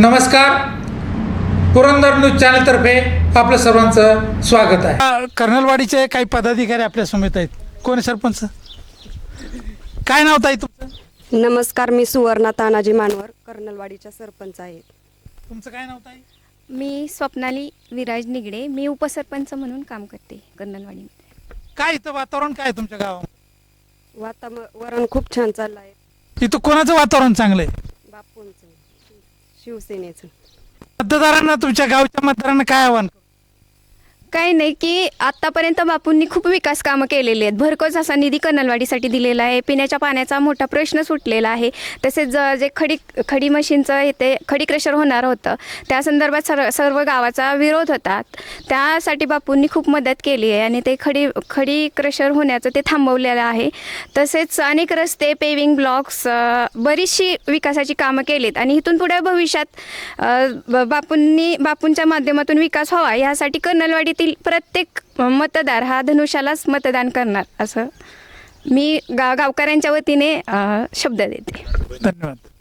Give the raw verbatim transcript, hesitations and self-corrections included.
नमस्कार, पुरंदर न्यूज चॅनलतर्फे आपलं सर्वांचं स्वागत आहे। कर्नलवाडीचे काही पदाधिकारी आपल्या समेत आहेत। कोण आहे सरपंच? काय नाव ताई तुमचं? नमस्कार, मी सुवर्णा तानाजी मानवर, कर्नलवाडीच्या सरपंच आहे। तुमचं काय नाव ताई? मी स्वप्नाली विराज निगडे, मी उपसरपंच म्हणून काम करते कर्नलवाडीमध्ये। काय इथं वातावरण काय आहे तुमच्या गावात? वातावरण खूप छान चाललं आहे। इथं कोणाचं वातावरण चांगलं आहे? बापूंचं, शिवसेनेचं। मतदारांना, तुमच्या गावच्या मतदारांना काय आव्हान? काही नाही की आत्तापर्यंत बापूंनी खूप विकास कामं केलेली आहेत। भरघोस असा निधी कर्नलवाडीसाठी दिलेला आहे। पिण्याच्या पाण्याचा मोठा प्रश्न सुटलेला आहे। तसेच ज- जे खडी खडी मशीनचं इथे खडी क्रशर होणार होतं, त्या संदर्भात सर्व सर्व गावाचा विरोध होता। त्यासाठी बापूंनी खूप मदत केली आहे आणि ते खडी खडी क्रशर होण्याचं ते थांबवलेलं आहे। तसेच अनेक रस्ते, पेविंग ब्लॉक्स, बरीचशी विकासाची कामं केलीत आणि इथून पुढे भविष्यात अ, ब- बापूंनी बापूंच्या माध्यमातून विकास व्हावा यासाठी कर्नलवाडीत प्रत्येक मतदार हा धनुष्यालाच मतदान करणार असं मी गा गावकऱ्यांच्या वतीने अ, शब्द देते। धन्यवाद।